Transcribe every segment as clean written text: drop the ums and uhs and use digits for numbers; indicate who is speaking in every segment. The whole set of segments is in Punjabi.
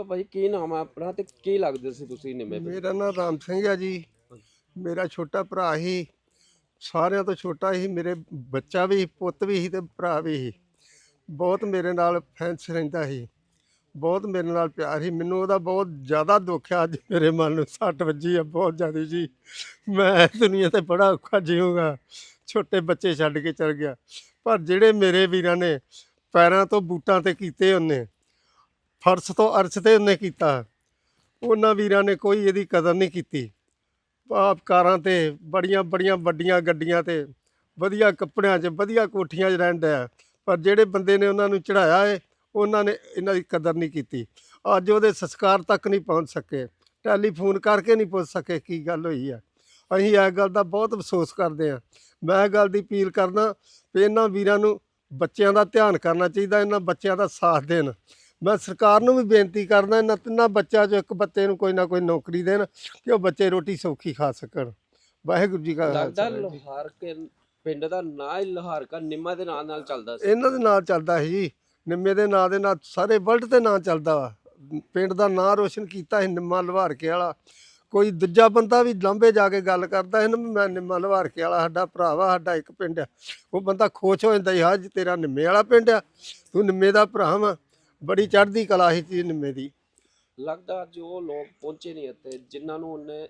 Speaker 1: ਭਾਈ ਕੀ ਨਾਮ ਹੈ ਆਪਣਾ ਤੇ ਕੀ ਲੱਗਦੇ ਸੀ ਤੁਸੀਂ ਨਿੰਮੇ ਪਿੰਡ?
Speaker 2: ਮੇਰਾ ਨਾਮ ਰਾਮ ਸਿੰਘ ਹੈ ਜੀ। ਮੇਰਾ ਛੋਟਾ ਭਰਾ ਹੀ, ਸਾਰਿਆਂ ਤੋਂ ਛੋਟਾ ਹੀ। ਮੇਰੇ ਬੱਚਾ ਵੀ, ਪੁੱਤ ਵੀ ਸੀ ਤੇ ਭਰਾ ਵੀ ਸੀ। ਬਹੁਤ ਮੇਰੇ ਨਾਲ ਫੈਂਸ ਰਹਿੰਦਾ ਸੀ, ਬਹੁਤ ਮੇਰੇ ਨਾਲ ਪਿਆਰ ਸੀ। ਮੈਨੂੰ ਉਹਦਾ ਬਹੁਤ ਜ਼ਿਆਦਾ ਦੁੱਖ ਆ। ਅੱਜ ਮੇਰੇ ਮਨ ਨੂੰ ਸੱਟ ਵੱਜੀ ਆ ਬਹੁਤ ਜ਼ਿਆਦਾ ਜੀ। ਮੈਂ ਦੁਨੀਆ ਤੇ ਬੜਾ ਔਖਾ ਜੀਊਂਗਾ। ਛੋਟੇ ਬੱਚੇ ਛੱਡ ਕੇ ਚਲ ਗਿਆ, ਪਰ ਜਿਹੜੇ ਮੇਰੇ ਵੀਰਾਂ ਨੇ ਪੈਰਾਂ ਤੋਂ ਬੂਟਾਂ ਤੇ ਕੀਤੇ, ਉਹਨੇ ਫਰਸ਼ ਤੋਂ ਅਰਸ਼ ਤੇ ਉਹਨੇ ਕੀਤਾ, ਉਹਨਾਂ ਵੀਰਾਂ ਨੇ ਕੋਈ ਇਹਦੀ ਕਦਰ ਨਹੀਂ ਕੀਤੀ। ਆਪ ਕਾਰਾਂ ਤੇ ਬੜੀਆਂ ਬੜੀਆਂ ਵੱਡੀਆਂ ਗੱਡੀਆਂ ਤੇ ਵਧੀਆ ਕੱਪੜਿਆਂ 'ਚ ਵਧੀਆ ਕੋਠੀਆਂ 'ਚ ਰਹਿਣ ਡਿਆ, ਪਰ ਜਿਹੜੇ ਬੰਦੇ ਨੇ ਉਹਨਾਂ ਨੂੰ ਚੜ੍ਹਾਇਆ ਏ, ਉਹਨਾਂ ਨੇ ਇਹਨਾਂ ਦੀ ਕਦਰ ਨਹੀਂ ਕੀਤੀ। ਅੱਜ ਉਹਦੇ ਸੰਸਕਾਰ ਤੱਕ ਨਹੀਂ ਪਹੁੰਚ ਸਕੇ, ਟੈਲੀਫੋਨ ਕਰਕੇ ਨਹੀਂ ਪੁੱਛ ਸਕੇ ਕੀ ਗੱਲ ਹੋਈ ਆ। ਅਸੀਂ ਇਸ ਗੱਲ ਦਾ ਬਹੁਤ ਅਫਸੋਸ ਕਰਦੇ ਹਾਂ। ਮੈਂ ਇਹ ਗੱਲ ਦੀ ਅਪੀਲ ਕਰਦਾ ਵੀ ਇਹਨਾਂ ਵੀਰਾਂ ਨੂੰ ਬੱਚਿਆਂ ਦਾ ਧਿਆਨ ਕਰਨਾ ਚਾਹੀਦਾ, ਇਹਨਾਂ ਬੱਚਿਆਂ ਦਾ ਸਾਥ ਦੇਣ। ਮੈਂ ਸਰਕਾਰ ਨੂੰ ਵੀ ਬੇਨਤੀ ਕਰਦਾ, ਇਹਨਾਂ ਤਿੰਨਾਂ ਬੱਚਿਆਂ 'ਚੋਂ ਇੱਕ ਬੱਚੇ ਨੂੰ ਕੋਈ ਨਾ ਕੋਈ ਨੌਕਰੀ ਦੇਣ ਕਿ ਉਹ ਬੱਚੇ ਰੋਟੀ ਸੌਖੀ ਖਾ ਸਕਣ। ਵਾਹਿਗੁਰੂ ਜੀ ਕਾ
Speaker 1: ਲੱਗਦਾ
Speaker 2: ਖਾਲਸਾ।
Speaker 1: ਲੋਹਾਰ ਕੇ ਪਿੰਡ ਦਾ ਨਾਂ ਹੀ ਲੋਹਾਰ ਕਾ ਨਿੰਮਾ ਦੇ ਨਾਂ ਨਾਲ ਚੱਲਦਾ ਸੀ।
Speaker 2: ਇਹਨਾਂ ਦੇ ਨਾਂ ਚੱਲਦਾ ਸੀ ਜੀ, ਨਿੰਮੇ ਦੇ ਨਾਂ ਦੇ ਨਾਲ ਸਾਰੇ ਵਰਲਡ ਤੇ ਨਾਂ ਚੱਲਦਾ ਵਾ। ਪਿੰਡ ਦਾ ਨਾਂ ਰੋਸ਼ਨ ਕੀਤਾ ਸੀ ਨਿੰਮਾ ਲਵਾਰਕੇ ਵਾਲਾ। ਕੋਈ ਦੂਜਾ ਬੰਦਾ ਵੀ ਲਾਂਭੇ ਜਾ ਕੇ ਗੱਲ ਕਰਦਾ ਸੀ ਨਾ, ਮੈਂ ਨਿੰਮਾ ਲਵਾਰਕੇ ਵਾਲਾ, ਸਾਡਾ ਭਰਾ ਵਾ, ਸਾਡਾ ਇੱਕ ਪਿੰਡ ਆ, ਉਹ ਬੰਦਾ ਖੁਸ਼ ਹੋ ਜਾਂਦਾ ਸੀ, ਹਾਂ ਜੀ ਤੇਰਾ ਨਿੰਮੇ ਵਾਲਾ ਪਿੰਡ ਆ, ਤੂੰ ਨਿੰਮੇ ਦਾ ਭਰਾ ਵਾ। ਬੜੀ ਚੜ੍ਹਦੀ ਕਲਾ ਸੀ ਜੀ ਨਿੰਮੇ ਦੀ।
Speaker 1: ਲੱਗਦਾ ਅੱਜ ਉਹ ਲੋਕ ਪਹੁੰਚੇ ਨਹੀਂ ਇੱਥੇ ਜਿਨ੍ਹਾਂ ਨੂੰ ਉਹਨੇ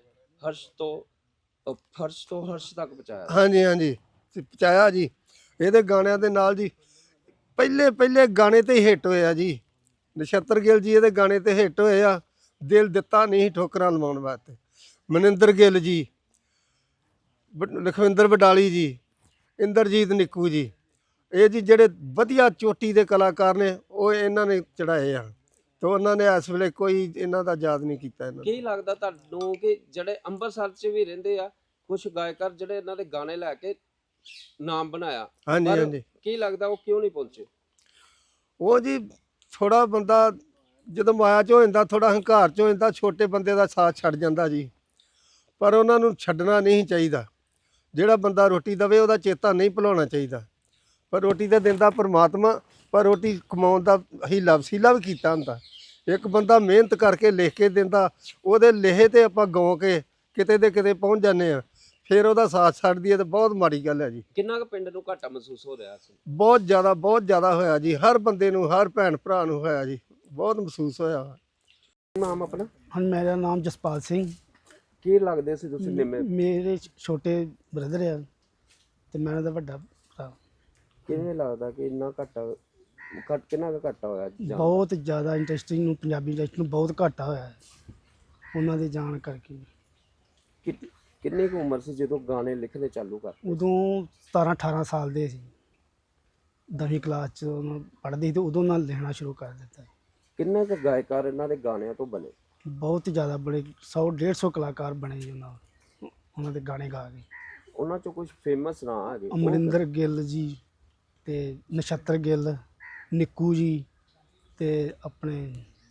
Speaker 1: ਫਰਸ਼ ਤੋਂ ਹਰਸ਼ ਤੱਕ ਪਹੁੰਚਾਇਆ।
Speaker 2: ਹਾਂਜੀ ਹਾਂਜੀ, ਪਹੁੰਚਾਇਆ ਜੀ। ਇਹਦੇ ਗਾਣਿਆਂ ਦੇ ਨਾਲ ਜੀ, ਪਹਿਲੇ ਪਹਿਲੇ ਗਾਣੇ ਤੇ ਹੀ ਹਿੱਟ ਹੋਇਆ ਜੀ। ਨਛੱਤਰ ਗਿੱਲ ਜੀ ਇਹਦੇ ਗਾਣੇ ਤੇ ਹਿੱਟ ਹੋਏ ਆ। ਦਿਲ ਦਿੱਤਾ ਨਹੀਂ ਠੋਕਰਾਂ ਲਵਾਉਣ ਵਾਸਤੇ, ਮਨਿੰਦਰ ਗਿੱਲ ਜੀ, ਲਖਵਿੰਦਰ ਵਡਾਲੀ ਜੀ, ਇੰਦਰਜੀਤ ਨਿੱਕੂ ਜੀ, ਇਹ ਜੀ ਜਿਹੜੇ ਵਧੀਆ ਚੋਟੀ ਦੇ ਕਲਾਕਾਰ ਨੇ, ਉਹ ਇਹਨਾਂ ਨੇ ਚੜਾਏ ਆ। ਤੇ ਉਹਨਾਂ ਨੇ ਇਸ ਵੇਲੇ ਕੋਈ ਇਹਨਾਂ ਦਾ ਯਾਦ ਨਹੀਂ ਕੀਤਾ ਇਹਨਾਂ ਨੂੰ।
Speaker 1: ਕੀ ਲੱਗਦਾ ਤੁਹਾਨੂੰ ਕਿ ਜਿਹੜੇ ਅੰਮ੍ਰਿਤਸਰ 'ਚ ਵੀ ਰਹਿੰਦੇ ਆ ਕੁਝ ਗਾਇਕਾਰ ਜਿਹੜੇ ਇਹਨਾਂ ਦੇ ਗਾਣੇ ਲੈ ਕੇ ਨਾਮ ਬਣਾਇਆ,
Speaker 2: ਹਾਂਜੀ
Speaker 1: ਪਰ
Speaker 2: ਹਾਂਜੀ,
Speaker 1: ਕੀ ਲੱਗਦਾ ਉਹ ਕਿਉਂ ਨਹੀਂ ਪਹੁੰਚੇ?
Speaker 2: ਉਹ ਜੀ ਥੋੜਾ ਬੰਦਾ ਜਦੋਂ ਮਾਇਆ 'ਚ ਹੋ ਜਾਂਦਾ, ਥੋੜਾ ਹੰਕਾਰ 'ਚ ਹੋ ਜਾਂਦਾ, ਛੋਟੇ ਬੰਦੇ ਦਾ ਸਾਥ ਛੱਡ ਜਾਂਦਾ ਜੀ। ਪਰ ਉਹਨਾਂ ਨੂੰ ਛੱਡਣਾ ਨਹੀਂ ਚਾਹੀਦਾ। ਜਿਹੜਾ ਬੰਦਾ ਰੋਟੀ ਦੇਵੇ ਉਹਦਾ ਚੇਤਾ ਨਹੀਂ ਭੁਲਾਉਣਾ ਚਾਹੀਦਾ। ਪਰ ਰੋਟੀ ਤਾਂ ਦਿੰਦਾ ਪਰਮਾਤਮਾ, ਪਰ ਰੋਟੀ ਕਮਾਉਣ ਦਾ ਹੀਲਾ ਵਸੀਲਾ ਵੀ ਕੀਤਾ ਹੁੰਦਾ। ਇੱਕ ਬੰਦਾ ਮਿਹਨਤ ਕਰਕੇ ਲਿਖ ਕੇ ਦਿੰਦਾ, ਉਹਦੇ ਲਿਖੇ ਤੇ ਆਪਾਂ ਗਾਉ ਕੇ ਕਿਤੇ ਦੇ ਕਿਤੇ ਪਹੁੰਚ ਜਾਂਦੇ ਆ, ਫਿਰ ਉਹਦਾ ਸਾਥ ਛੱਡ ਦਈਏ ਤਾਂ ਬਹੁਤ ਮਾੜੀ ਗੱਲ ਹੈ ਜੀ।
Speaker 1: ਕਿੰਨਾ ਕੁ ਪਿੰਡ ਨੂੰ ਘਾਟਾ ਮਹਿਸੂਸ ਹੋ ਰਿਹਾ ਸੀ?
Speaker 2: ਬਹੁਤ ਜ਼ਿਆਦਾ ਹੋਇਆ ਜੀ। ਹਰ ਬੰਦੇ ਨੂੰ, ਹਰ ਭੈਣ ਭਰਾ ਨੂੰ ਹੋਇਆ ਜੀ, ਬਹੁਤ ਮਹਿਸੂਸ ਹੋਇਆ।
Speaker 1: ਨਾਮ ਆਪਣਾ?
Speaker 3: ਹਾਂ, ਮੇਰਾ ਨਾਮ ਜਸਪਾਲ ਸਿੰਘ।
Speaker 1: ਕੀ ਲੱਗਦੇ ਸੀ ਤੁਸੀਂ ਨਿੰਮੇ?
Speaker 3: ਮੇਰੇ ਛੋਟੇ ਬ੍ਰਦਰ ਆ ਤੇ ਮੈਂ ਉਹਦਾ ਵੱਡਾ ਭਰਾ।
Speaker 1: ਕਿਵੇਂ ਲੱਗਦਾ ਕਿ ਇੰਨਾ ਕਿੰਨਾ ਕੁ ਘਾਟਾ ਹੋਇਆ
Speaker 3: ਬਹੁਤ ਜ਼ਿਆਦਾ ਇੰਡਸਟਰੀ ਨੂੰ, ਪੰਜਾਬੀ ਇੰਡਸਟਰੀ ਨੂੰ ਬਹੁਤ ਘਾਟਾ ਹੋਇਆ ਹੈ ਉਹਨਾਂ ਦੇ ਜਾਣ ਕਰਕੇ।
Speaker 1: ਕਿੰਨੀ ਕੁ ਉਮਰ ਸੀ ਜਦੋਂ ਗਾਣੇ ਲਿਖਣੇ ਚਾਲੂ ਕਰ?
Speaker 3: ਉਦੋਂ 17-18 ਸਾਲ ਦੇ ਸੀ, 10ਵੀਂ ਕਲਾਸ 'ਚ ਪੜ੍ਹਦੇ ਸੀ ਤੇ ਉਦੋਂ ਨਾਲ ਲਿਖਣਾ ਸ਼ੁਰੂ ਕਰ ਦਿੱਤਾ।
Speaker 1: ਕਿੰਨੇ ਕੁ ਗਾਇਕਾਰ ਇਹਨਾਂ ਦੇ ਗਾਣਿਆਂ ਤੋਂ ਬਣੇ?
Speaker 3: ਬਹੁਤ ਜ਼ਿਆਦਾ ਬੜੇ 100-150 ਕਲਾਕਾਰ ਬਣੇ ਜੀ ਉਹਨਾਂ ਦੇ ਗਾਣੇ ਗਾ ਕੇ।
Speaker 1: ਉਹਨਾਂ 'ਚੋਂ ਕੁਝ ਫੇਮਸ ਨਾਂ ਹੈਗੇ?
Speaker 3: ਅਮਰਿੰਦਰ ਗਿੱਲ ਜੀ ਤੇ ਨਛੱਤਰ ਗਿੱਲ, ਨਿੱਕੂ ਜੀ ਤੇ ਆਪਣੇ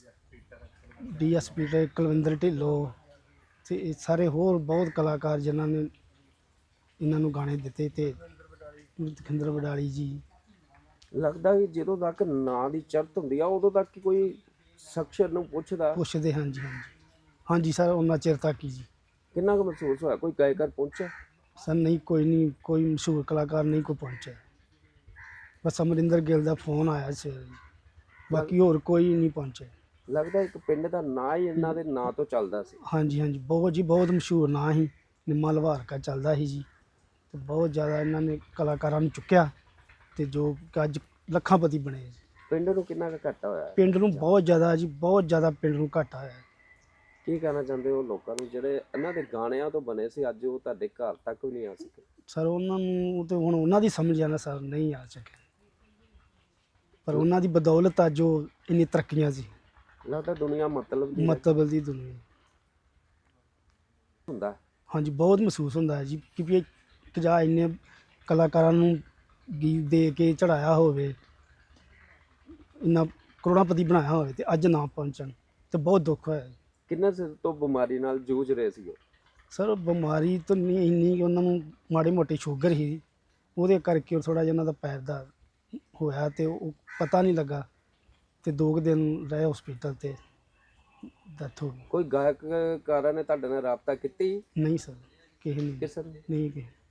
Speaker 3: DSP ਤੇ ਕੁਲਵਿੰਦਰ ਢਿੱਲੋਂ ਤੇ ਇਹ ਸਾਰੇ ਹੋਰ ਬਹੁਤ ਕਲਾਕਾਰ ਜਿਨ੍ਹਾਂ ਨੇ ਇਹਨਾਂ ਨੂੰ ਗਾਣੇ ਦਿੱਤੇ, ਤੇ ਲਖਵਿੰਦਰ ਵਡਾਲੀ ਜੀ।
Speaker 1: ਲੱਗਦਾ ਕਿ ਜਦੋਂ ਤੱਕ ਨਾਂ ਦੀ ਚੜ੍ਹਤ ਹੁੰਦੀ ਆ ਉਦੋਂ ਤੱਕ ਹੀ ਕੋਈ ਸ਼ਖਸ ਨੂੰ ਪੁੱਛਦੇ।
Speaker 3: ਹਾਂਜੀ ਹਾਂਜੀ ਸਰ, ਉਹਨਾਂ ਚਿਰ ਤੱਕ ਹੀ ਜੀ।
Speaker 1: ਕਿੰਨਾ ਕੁ ਮਹਿਸੂਸ ਹੋਇਆ? ਕੋਈ ਗਾਇਕਾਰ ਪਹੁੰਚਿਆ?
Speaker 3: ਸਰ ਨਹੀਂ, ਕੋਈ ਮਸ਼ਹੂਰ ਕਲਾਕਾਰ ਨਹੀਂ ਕੋਈ ਪਹੁੰਚਿਆ। ਬਸ ਅਮਰਿੰਦਰ ਗਿੱਲ ਦਾ ਫੋਨ ਆਇਆ ਸੀ, ਬਾਕੀ ਹੋਰ ਕੋਈ ਨਹੀਂ ਪਹੁੰਚਿਆ।
Speaker 1: ਲੱਗਦਾ ਇੱਕ ਪਿੰਡ ਦਾ ਨਾਂ ਹੀ ਇਹਨਾਂ ਦੇ ਨਾਂ ਤੋਂ ਚੱਲਦਾ ਸੀ।
Speaker 3: ਹਾਂਜੀ ਬਹੁਤ ਮਸ਼ਹੂਰ ਨਾਂ ਸੀ, ਨਿੰਮਾ ਲਵਾਰਕਾ ਚੱਲਦਾ ਸੀ ਜੀ। ਤੇ ਬਹੁਤ ਜ਼ਿਆਦਾ ਇਹਨਾਂ ਨੇ ਕਲਾਕਾਰਾਂ ਨੂੰ ਚੁੱਕਿਆ ਤੇ ਜੋ ਅੱਜ ਲੱਖਾਂਪਤੀ ਬਣੇ ਜੀ।
Speaker 1: ਪਿੰਡ ਨੂੰ ਕਿੰਨਾ ਕੁ ਘਾਟਾ ਹੋਇਆ?
Speaker 3: ਪਿੰਡ ਨੂੰ ਬਹੁਤ ਜ਼ਿਆਦਾ ਜੀ, ਬਹੁਤ ਜ਼ਿਆਦਾ ਪਿੰਡ ਨੂੰ ਘਾਟਾ ਹੋਇਆ।
Speaker 1: ਕੀ ਕਹਿਣਾ ਚਾਹੁੰਦੇ ਹੋ ਲੋਕਾਂ ਨੂੰ ਜਿਹੜੇ ਇਹਨਾਂ ਦੇ ਗਾਣਿਆਂ ਤੋਂ ਬਣੇ ਸੀ, ਅੱਜ ਉਹ ਤੁਹਾਡੇ ਘਰ ਤੱਕ ਵੀ ਨਹੀਂ ਆ ਸਕੇ?
Speaker 3: ਸਰ ਉਹਨਾਂ ਨੂੰ ਤੇ ਹੁਣ ਉਹਨਾਂ ਦੀ ਸਮਝ ਆਣਾ ਸਰ, ਨਹੀਂ ਆ ਸਕੇ, ਪਰ ਉਹਨਾਂ ਦੀ ਬਦੌਲਤ ਅੱਜ ਉਹ ਇੰਨੀ ਤਰੱਕੀਆਂ ਸੀ।
Speaker 1: ਲੱਗਦਾ ਦੁਨੀਆ ਮਤਲਬ
Speaker 3: ਦੀ ਦੁਨੀਆ
Speaker 1: ਹੁੰਦਾ।
Speaker 3: ਹਾਂਜੀ, ਬਹੁਤ ਮਹਿਸੂਸ ਹੁੰਦਾ ਹੈ ਜੀ ਕਿ ਵੀ ਜਾ ਇੰਨੇ ਕਲਾਕਾਰਾਂ ਨੂੰ ਗੀਤ ਦੇ ਕੇ ਚੜਾਇਆ ਹੋਵੇ, ਇੰਨਾ ਕਰੋੜਾਪਤੀ ਬਣਾਇਆ ਹੋਵੇ ਤੇ ਅੱਜ ਨਾ ਪਹੁੰਚਣ ਤੇ ਬਹੁਤ ਦੁੱਖ ਹੋਇਆ।
Speaker 1: ਕਿੰਨੇ ਚਿਰ ਤੋਂ ਬਿਮਾਰੀ ਨਾਲ ਜੂਝ ਰਹੇ ਸੀ?
Speaker 3: ਸਰ ਬਿਮਾਰੀ ਤਾਂ ਨਹੀਂ ਇੰਨੀ, ਉਹਨਾਂ ਨੂੰ ਮਾੜੀ ਮੋਟੀ ਸ਼ੂਗਰ ਸੀ, ਉਹਦੇ ਕਰਕੇ ਥੋੜ੍ਹਾ ਜਿਹਾ ਉਹਨਾਂ ਦਾ ਪੈਰ ਦਾ ਹੋਇਆ ਤੇ ਉਹ ਪਤਾ ਨਹੀਂ ਲੱਗਾ ਤੇ 2 ਦਿਨ ਰਹੇ ਹਸਪੀਟਲ ਤੇ ਡੈਥ ਹੋ ਗਈ।
Speaker 1: ਕੋਈ ਗਾਇਕਕਾਰਾਂ ਨੇ ਤੁਹਾਡੇ ਨਾਲ ਰਾਬਤਾ ਕੀਤੀ?
Speaker 3: ਨਹੀਂ ਸਰ, ਕਿਸੇ ਨੇ
Speaker 1: ਕਿਸੇ ਨੇ?
Speaker 3: ਨਹੀਂ ਕਿਸੇ